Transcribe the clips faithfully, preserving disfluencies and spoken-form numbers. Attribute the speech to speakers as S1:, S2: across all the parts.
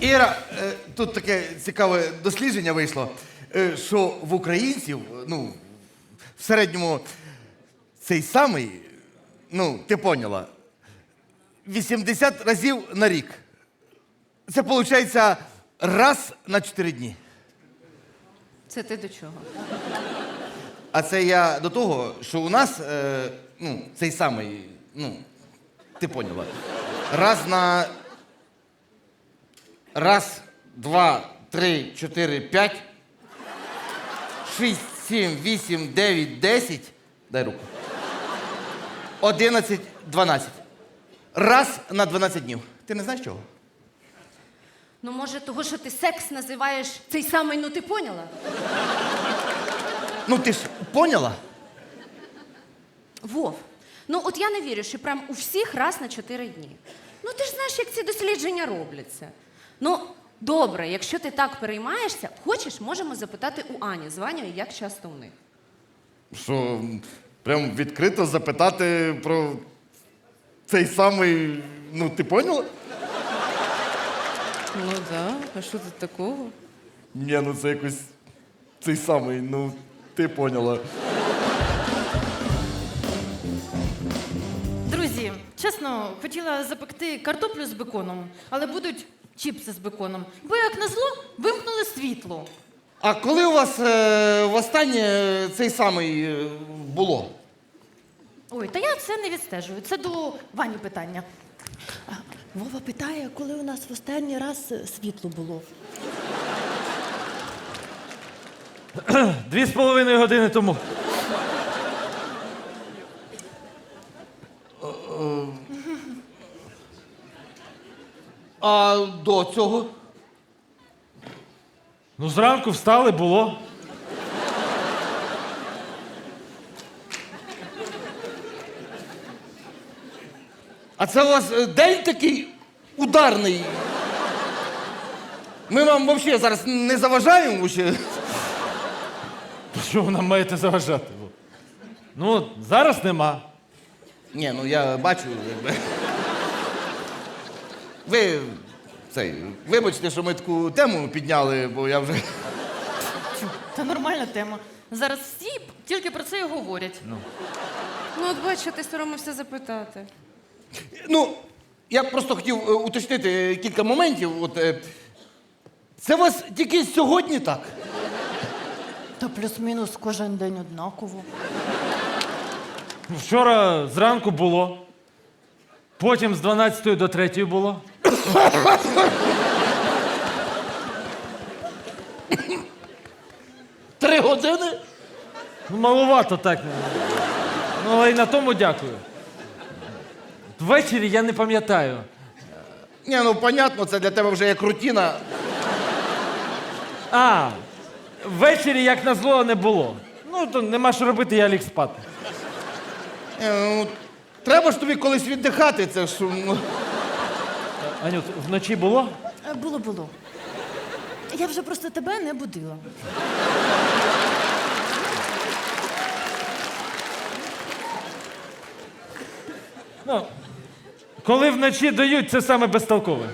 S1: Іра, е, тут таке цікаве дослідження вийшло, е, що в українців, ну, в середньому цей самий, ну, ти поняла, вісімдесят разів на рік. Це виходить раз на чотири дні.
S2: Це ти до чого?
S1: А це я до того, що у нас, е, ну, цей самий, ну, ти поняла, раз на... Раз, два, три, чотири, п'ять, шість, сім, вісім, дев'ять, десять, дай руку, одинадцять, дванадцять. Раз на дванадцять днів. Ти не знаєш чого?
S2: Ну, може, того, що ти секс називаєш цей самий, ну ти поняла?
S1: Ну ти ж поняла?
S2: Вов, ну от я не вірю, що прям у всіх раз на чотири дні. Ну ти ж знаєш, як ці дослідження робляться. Ну, добре, якщо ти так переймаєшся, хочеш, можемо запитати у Ані з Ванею, як часто у них.
S1: Що, прям відкрито запитати про цей самий, ну ти поняла?
S2: Ну так, а що тут такого?
S1: Ні, ну це якось цей самий, ну ти поняла.
S3: Друзі, чесно, хотіла запекти картоплю з беконом, але будуть чіпси з беконом. Бо, як назло, вимкнули світло.
S1: А коли у вас е, востаннє цей самий е, було?
S3: Ой, та я це не відстежую. Це до Вані питання.
S4: Вова питає, коли у нас в останній раз е, світло було.
S5: Дві з половиною години тому.
S1: А до цього?
S5: Ну, зранку встали, було.
S1: А це у вас е, день такий ударний. Ми вам взагалі зараз не заважаємо ще.
S5: Що ви нам маєте заважати? Ну, зараз нема.
S1: Ні, ну я бачу, якби. Ви цей, вибачте, що ми таку тему підняли, бо я вже.
S3: Чу, Та нормальна тема. Зараз всі тільки про це і говорять.
S2: Ну, от бачиш, ти соромився запитати.
S1: Ну, я просто хотів е, уточнити кілька моментів. От, е, це у вас тільки сьогодні так?
S4: Та плюс-мінус кожен день однаково.
S5: Вчора зранку було. Потім з дванадцятої до третьої було.
S1: Три години?
S5: Ну, маловато так. Ну, але й на тому дякую. Ввечері я не пам'ятаю.
S1: Ні, ну понятно, це для тебе вже як рутина.
S5: А, ввечері, як назло, не було. Ну, то нема що робити, я ліг спати.
S1: Е, ну, треба ж тобі колись віддихати, це ж. Ну.
S5: Анют, вночі було?
S4: Е, Було, було. Я вже просто тебе не будила.
S5: Ну, коли вночі дають, це саме безтолкове.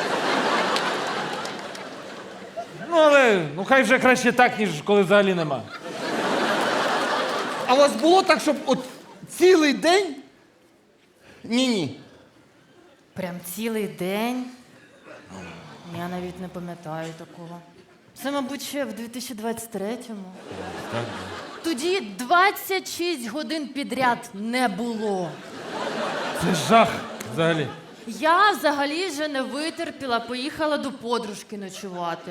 S5: Ну, але ну, хай вже краще так, ніж коли взагалі нема.
S1: А у вас було так, щоб от цілий день? Ні-ні.
S3: Прям цілий день. Я навіть не пам'ятаю такого. Це, мабуть, ще в дві тисячі двадцять третьому. Тоді двадцять шість годин підряд не було.
S5: Це жах взагалі.
S3: Я взагалі вже не витерпіла, поїхала до подружки ночувати.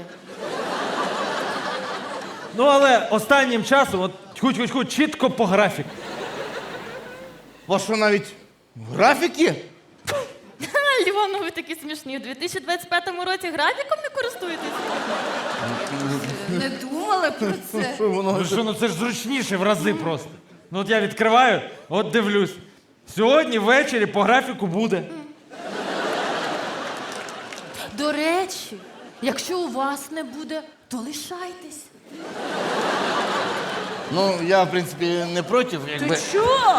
S5: Ну, але останнім часом, от хуть-хуть-хуть, чітко по графіку.
S1: У вас що, навіть графік є?
S3: Ха, Львов, ну ви такі смішні. У дві тисячі двадцять п'ятому році графіком не користуєтесь?
S2: Не думали про це?
S1: Що воно?
S5: Ну що, ну це ж зручніше в рази просто. Ну от я відкриваю, от дивлюсь. Сьогодні ввечері по графіку буде.
S3: До речі, якщо у вас не буде, то лишайтесь.
S1: Ну, я, в принципі, не проти, якби.
S2: Що?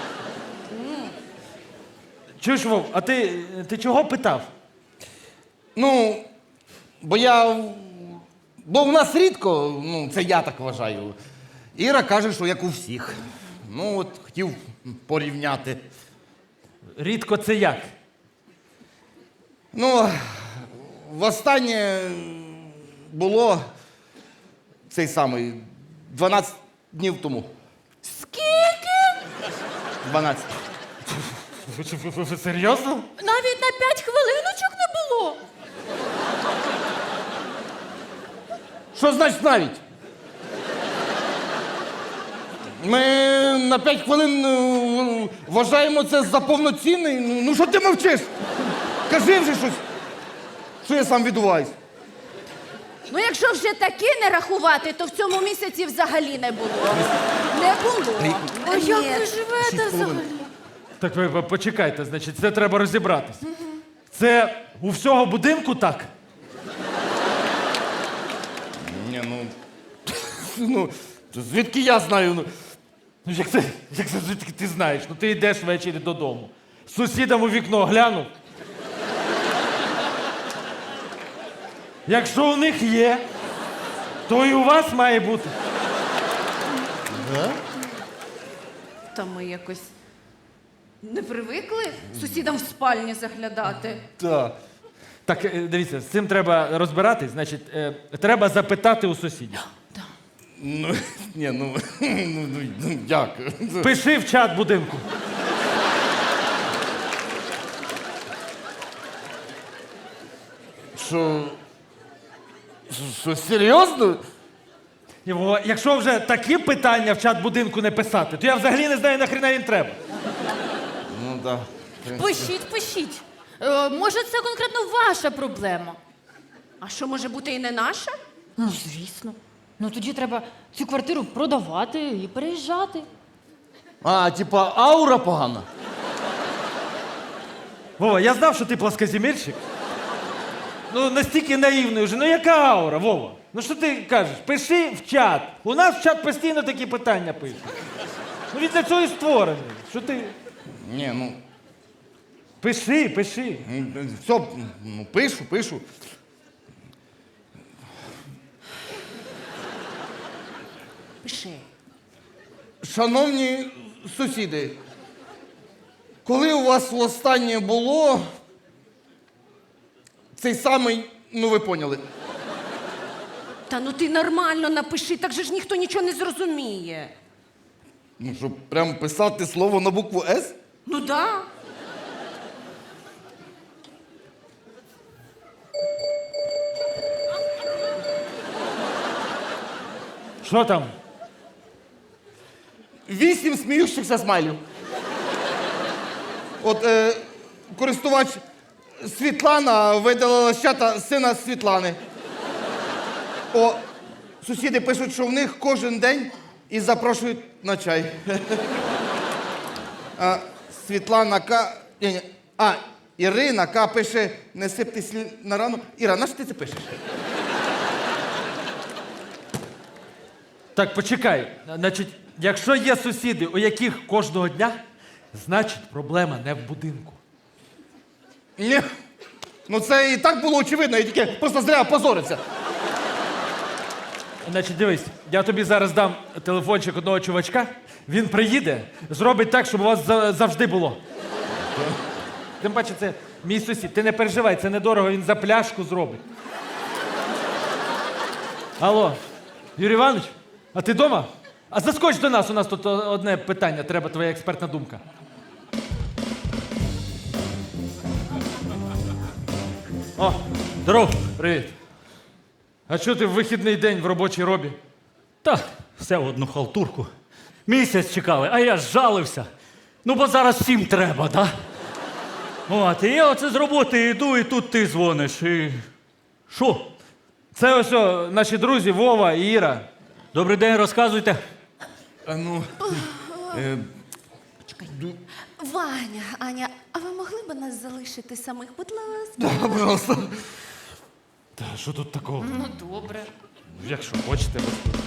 S5: Чуєш, Вов, а ти, ти чого питав?
S1: Ну, бо я. Бо в нас рідко, ну, це я так вважаю. Іра каже, що як у всіх. Ну, от хотів порівняти.
S5: Рідко це як?
S1: Ну, востаннє було цей самий дванадцять днів тому.
S2: Скільки?
S1: дванадцять.
S5: Ви, ви, ви, ви серйозно?
S3: Навіть на п'ять хвилиночок не було.
S1: Що значить навіть? Ми на п'ять хвилин е, вважаємо це за повноцінний. Ну, ну що ти мовчиш? Кажи вже щось. Що я сам відбуваюсь?
S2: Ну, якщо вже таки не рахувати, то в цьому місяці взагалі не було. Не було.
S3: А як
S2: Ні.
S3: ви живете взагалі?
S5: Так ви ви почекайте, значить, це треба розібратись. Це у всього будинку так?
S1: Ні, ну. Ну, звідки я знаю? Ну,
S5: Ну як це, як це звідки ти знаєш? Ну ти йдеш ввечері додому. Сусідам у вікно глянув. Якщо у них є, то і у вас має бути.
S2: Та ми якось не привикли сусідам в спальні заглядати.
S1: так.
S5: Так, е, дивіться, з цим треба розбиратись. Значить, е, треба запитати у сусідів.
S1: Ну, ні, ну, ну, ну, ну як?
S5: Пиши в чат будинку.
S1: Що. Що, серйозно?
S5: Його, якщо вже такі питання в чат будинку не писати, то я взагалі не знаю, нахрена він треба.
S1: Ну, так.
S3: Пишіть, пишіть. Е, може, це конкретно ваша проблема?
S2: А що може бути і не наша?
S3: Ну, звісно. Ну тоді треба цю квартиру продавати і переїжджати.
S1: А, типа, аура погана.
S5: Вова, я знав, що ти пласкоземельщик. Ну, настільки наївний вже. Ну, яка аура, Вова? Ну, що ти кажеш? Пиши в чат. У нас в чат постійно такі питання пишуть. Ну, він для цього і створений. Що ти?
S1: Ні, ну.
S5: Пиши, пиши.
S1: Все, ну, пишу, пишу.
S2: Пиши.
S1: Шановні сусіди, коли у вас востаннє було цей самий, ну ви поняли.
S2: Та ну ти нормально напиши, так же ж ніхто нічого не зрозуміє.
S1: Ну, щоб прям писати слово на букву С?
S2: Ну да.
S5: Що там?
S1: Вісім сміючихся смайлів. От е, користувач Світлана видалила з чата сина Світлани. О, сусіди пишуть, що в них кожен день і запрошують на чай. А, Світлана К. Ні, ні. А, Ірина К. пише, не сипте слід на рану. Іра, на що ти це пишеш?
S5: Так, почекай. Значить, якщо є сусіди, у яких кожного дня, значить проблема не в будинку.
S1: Ні. Ну це і так було очевидно, я тільки просто зря позорився.
S5: Значить, дивись, я тобі зараз дам телефончик одного чувачка, він приїде, зробить так, щоб у вас за- завжди було. Тим паче, це мій сусід. Ти не переживай, це недорого, він за пляшку зробить. Алло, Юрій Іванович, а ти вдома? А заскоч до нас, у нас тут одне питання, треба твоя експертна думка. О,
S6: Здоров.
S5: привіт. А чого ти в вихідний день в робочій робі?
S6: Та все в одну халтурку. Місяць чекали, а я ж жалився. Ну, бо зараз всім треба, да? От, і я оце з роботи йду, і тут ти дзвониш. І... Що?
S5: Це ось о, наші друзі Вова і Іра.
S6: Добрий день, розказуйте.
S1: А ну. Е,
S2: Ваня, Аня, а ви могли б нас залишити самих, будь ласка?
S1: да, пожалуйста.
S5: Та що тут такого?
S3: Ну, добре.
S5: Якщо хочете, розповідайте.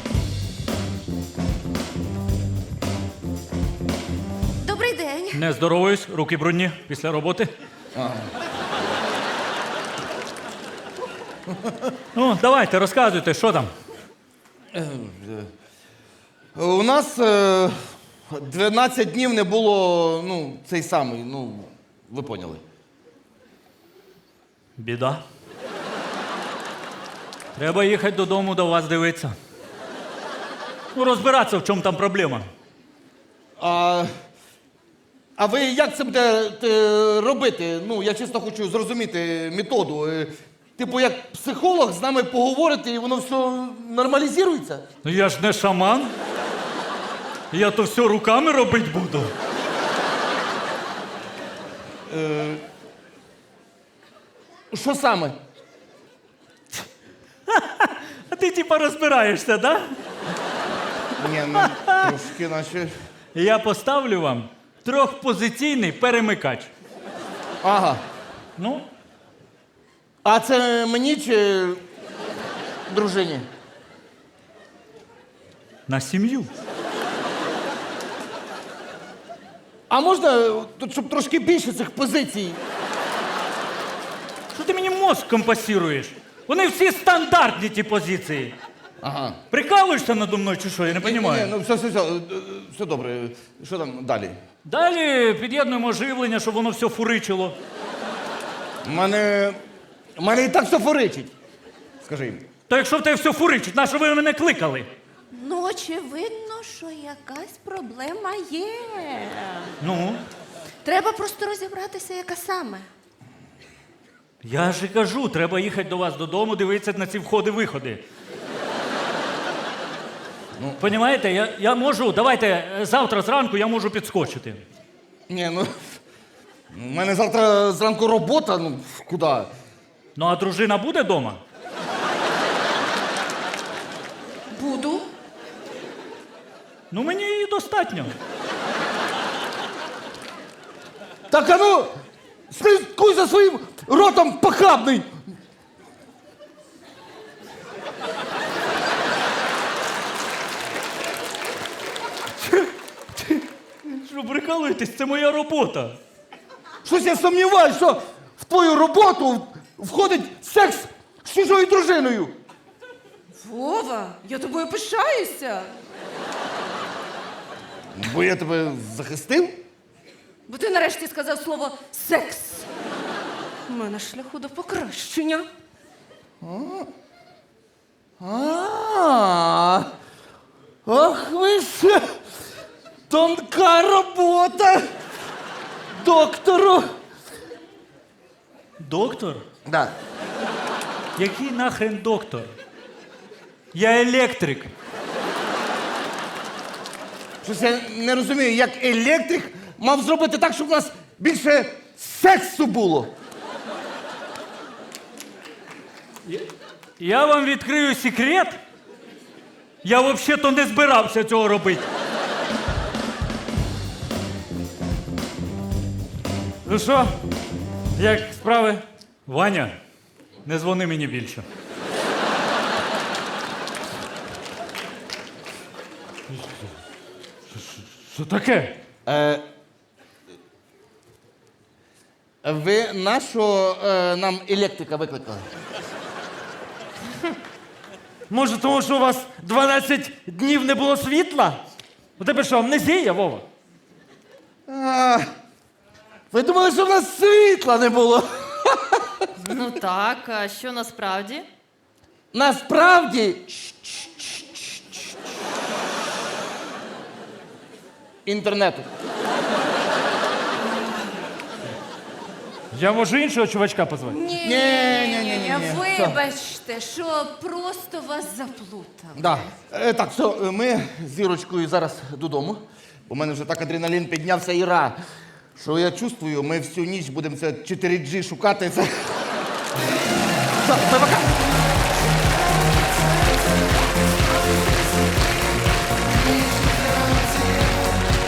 S2: Добрий день.
S6: Не здоровуюсь, руки брудні після роботи. Ну, давайте, розказуйте, що там.
S1: У нас е, дванадцять днів не було, ну, цей самий, ну, ви поняли.
S6: Біда. Треба їхати додому до вас дивитися. Ну, розбиратися, в чому там проблема.
S1: А, а ви як це будете робити? Ну, я чесно хочу зрозуміти методу. Е, Типу, як психолог з нами поговорити, і воно все нормалізується?
S6: Ну я ж не шаман. Я то все руками робити буду.
S1: Що саме?
S6: А ти типа розбираєшся, да?
S1: Ні, ну, трошки наче.
S6: Я поставлю вам трьохпозиційний перемикач.
S1: Ага.
S6: Ну,
S1: А це мені чи дружині?
S6: на сім'ю.
S1: А можна, тут, щоб трошки більше цих позицій?
S6: Що ти мені мозк компасіруєш? Вони всі стандартні, ті позиції.
S1: Ага.
S6: Прикалуєшся надо мною чи що? Я не
S1: Ні,
S6: розумію.
S1: ну все, все, все, е, все добре. Що там далі?
S6: Далі під'єднуємо живлення, щоб воно все фуричило.
S1: У мене. У мене і так все форичить. Скажи їм.
S6: То якщо в тебе все фуричить, на що ви мене кликали?
S2: Ну, очевидно, що якась проблема є.
S6: Ну,
S2: Треба просто розібратися, яка саме.
S6: я ж і кажу, треба їхати до вас додому, дивитися на ці входи-виходи. Ну, понімаєте, я, я можу, давайте е, завтра зранку я можу підскочити.
S1: Ні, ну. У мене завтра зранку робота, ну куди?
S6: Ну, а дружина буде вдома?
S2: Буду.
S6: Ну, мені її достатньо.
S1: Так а ну, слідкуй за своїм ротом похабний!
S6: Що, прикалуєтесь? Це моя робота.
S1: Щось я сумніваюся, що в твою роботу входить секс з чужою дружиною.
S2: Вова, я тобою пишаюся.
S1: Бо я тебе захистив?
S2: Бо ти нарешті сказав слово секс. У мене шляху до покращення.
S1: А, ох ви ж, тонка робота доктору.
S6: Доктор?
S1: Да.
S6: Який нахрен доктор? Я електрик.
S1: Щось я не розумію, як електрик мав зробити так, щоб у нас більше сексу було.
S6: Я вам відкрию секрет. Я взагалі-то не збирався цього робити. Ну що, як справи? Ваня, не дзвони мені більше. Що таке?
S1: Е, ви нашого е, нам електрика викликали?
S5: Може, тому що у вас дванадцять днів не було світла? У тебе що, амнезія, Вова?
S1: А, ви думали, що в нас світла не було?
S3: Ну так, а що насправді?
S1: Насправді. Інтернету.
S5: Я можу іншого чувачка позвати?
S2: Ні,
S1: Ні, ні, ні, ні, ні.
S2: Вибачте, що просто вас заплутав.
S1: Да. Е, так, все, е, ми з Ірочкою зараз додому. У мене вже так адреналін піднявся Іра. Що я чувствую, ми всю ніч будемо це чотири джі шукати. Це... Все, пока.